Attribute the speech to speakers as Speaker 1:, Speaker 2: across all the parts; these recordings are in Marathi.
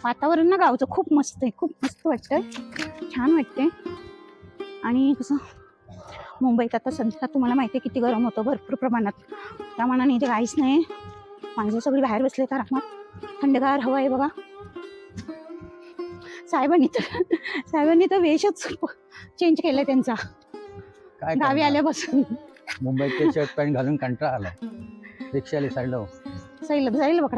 Speaker 1: वातावरण ना गावचं खूप मस्त आहे, खूप मस्त वाटतंय, छान वाटतंय. आणि कसं मुंबईत आता सध्या तुम्हाला माहिती आहे किती गरम होतं भरपूर प्रमाणात. त्या मानाने इथे काहीच नाही, माणसं सगळी बाहेर बसले तर आरामात, थंडगार हवा आहे बघा. साहेबांनी तर वेशच चेंज केलाय त्यांचा गावी आल्यापासून.
Speaker 2: मुंबईचे शर्ट पॅन्ट घालून कंटाळा आलाय. रिक्षाला
Speaker 1: जाईल बघा.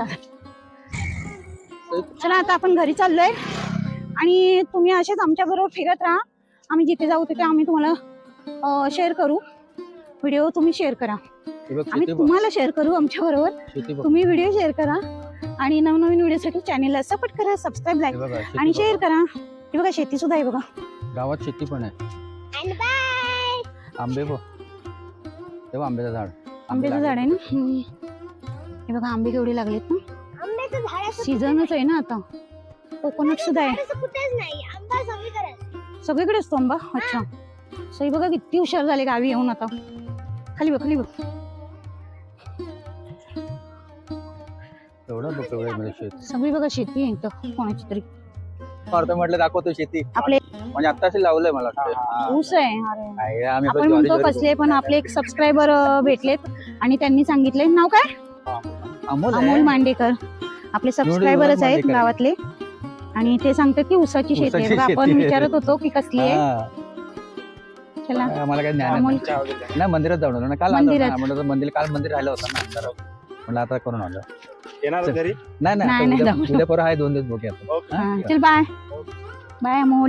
Speaker 1: चला आता आपण घरी चाललोय आणि तुम्ही असेच आमच्या बरोबर फिरत राहा. आम्ही जिथे जाऊ तिथे आम्ही तुम्हाला शेअर करू व्हिडिओ. तुम्ही शेअर करा, आम्ही तुम्हाला शेअर करू आमच्या बरोबर. तुम्ही व्हिडिओ शेअर करा आणि नवनवीन व्हिडिओसाठी चॅनलला सपोर्ट करा, सबस्क्राईब लाईक आणि शेअर करा. हे बघा शेती सुद्धा आहे बघा,
Speaker 2: गावात शेती पण आहे. आंबे बघ, तेव्हा आंब्याचं झाड आहे ना.
Speaker 1: हे बघा आंबे केवढे लागलेत ना, सीझनच आहे ना आता. कोकोनट सुद्धा आहे, सगळीकडे असतो आंबा. अच्छा, सई बघा किती हुशार झाले गावी येऊन आता. खाली बघ, खाली बघ. सगळी बघा शेती आहे इथं कोणाची तरी.
Speaker 2: म्हटलं दाखवतो शेती
Speaker 1: आपले
Speaker 2: म्हणजे आत्ताशी लावलंय मला
Speaker 1: ऊस आहे. अरे आपण म्हणतो कसले, पण आपले एक सबस्क्रायबर भेटलेत आणि त्यांनी सांगितले, नाव काय? अमोल मांडेकर. आपले सबस्क्रायबरच आहेत गावातले आणि ते सांगतात की ऊसाची शेती आहे. आपण विचारत होतो की कसली आहे. चला
Speaker 2: मला काय ज्ञान नाही. मंदिरात जाऊन आलो ना काल. काल मंदिर राहिलं होतं ना, म्हणलं आता करून आलो. नाही उद्या परवा आहे, 2 दिवस बघूया.
Speaker 1: चल बाय बाय अमोल.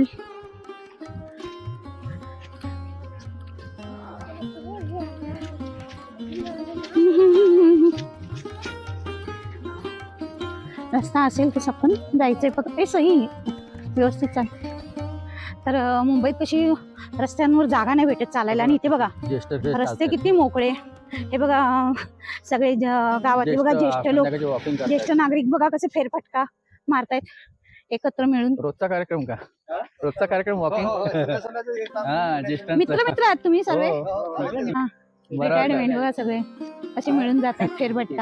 Speaker 1: रस्ता असेल तसं पण जायचंय, फक्त ते सही व्यवस्थित चाल. तर मुंबईत कशी रस्त्यांवर जागा नाही भेटत चालायला. आणि इथे बघा रस्ते किती मोकळे. हे बघा सगळे गावातले बघा ज्येष्ठ नागरिक बघा कसे फेरफटका मारतायत एकत्र मिळून.
Speaker 2: रोजचा कार्यक्रम का? रोजचा कार्यक्रम वॉकिंग.
Speaker 1: मित्र आहेत तुम्ही सर्व. रिटायरमेंट बघा सगळे असे मिळून जातात फेरफटका.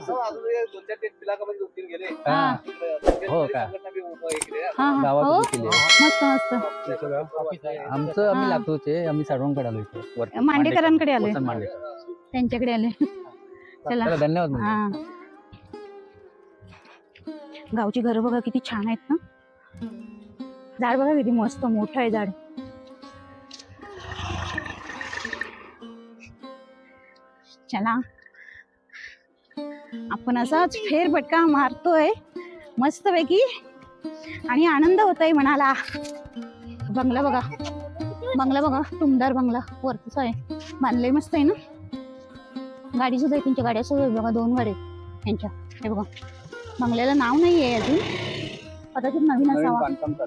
Speaker 2: हो का?
Speaker 1: मस्त मस्त.
Speaker 2: आमचं आम्ही लातूरचे, आम्ही साडवणकडे आलो,
Speaker 1: मांडेकरांकडे आलोय, त्यांच्याकडे आले. चला
Speaker 2: धन्यवाद.
Speaker 1: गावची घरं बघा किती छान आहेत ना. झाड बघा किती मस्त मोठं आहे झाड. चला आपण असाच फेरफटका मारतोय मस्त पैकी आणि आनंद होतोय मनाला. बंगला बघा टुमदार बंगला वरतीच आहे, बांधलंय मस्त आहे ना. गाडी सुद्धा आहे, त्यांच्या गाड्या सुद्धा बघा, 2 गाड्या त्यांच्या. हे बघा बंगल्याला नाव नाही आहे अजून, कदाचित नवीन असावा.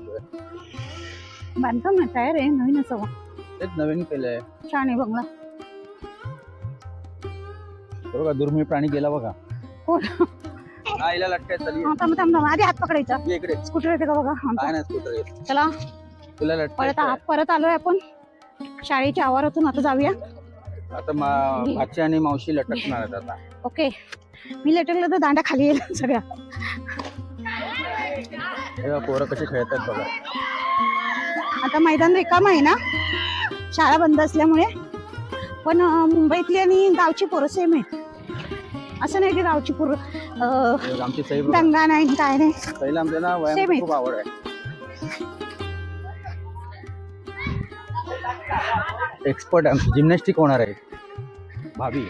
Speaker 1: बांधकाम तयार आहे, नवीन असावा.
Speaker 2: नवीन केलंय,
Speaker 1: छान आहे बंगला.
Speaker 2: बघा दुर्मिळ प्राणी गेला बघा.
Speaker 1: कोण? आधी हात पकडायचा. स्कूटर येते का बघा. चला परत आलोय आपण शाळेच्या आवारातून. आता जाऊया.
Speaker 2: आता भाची आणि मावशी लटकणार आहेत आता.
Speaker 1: ओके, मी लटकलं तर दांडा खाली येईल सगळ्या.
Speaker 2: पोरं कशी खेळतात बघा.
Speaker 1: आता मैदान रिकाम आहे ना, शाळा बंद असल्यामुळे. पण मुंबईतली आणि गावची पोरं सेम आहेत. असं नाही की गावची पोरं दंगा नाही काय नाही, सेम आहे.
Speaker 2: खूप आवड आहे. एक्सपर्ट जिम्नॅस्टिक होणार आहे भाभी.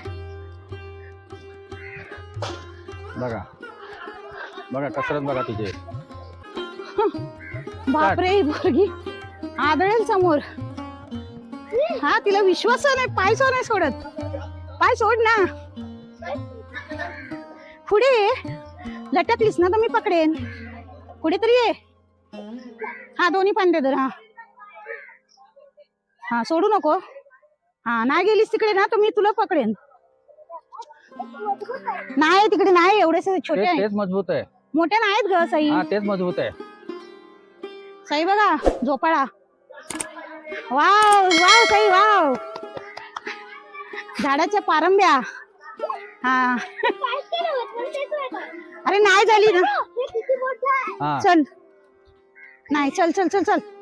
Speaker 2: बघा कसरत बघा तिचे.
Speaker 1: बापरे, पोरगी आदळेल समोर. हा, तिला विश्वास नाही, पाय नाही सोडत. पाय सोड ना, पुढे लटकलीस ना तर मी पकडेन. पुढे तरी ये. हा, दोन्ही पांडे धर. हा सोडू नको. हा, नाही गेलीस तिकडे ना तर मी तुला पकडेन. नाही तिकडे नाही, एवढे छोटे आहेत.
Speaker 2: तेच मजबूत आहे,
Speaker 1: मोठे नाहीत ग सई.
Speaker 2: तेच मजबूत आहे.
Speaker 1: सई बघा झोपाळा. Wow Sai wow. झाडाच्या पारंब्या. हा अरे नाही झाली ना
Speaker 2: हा
Speaker 1: चल नाही चल चल चल चल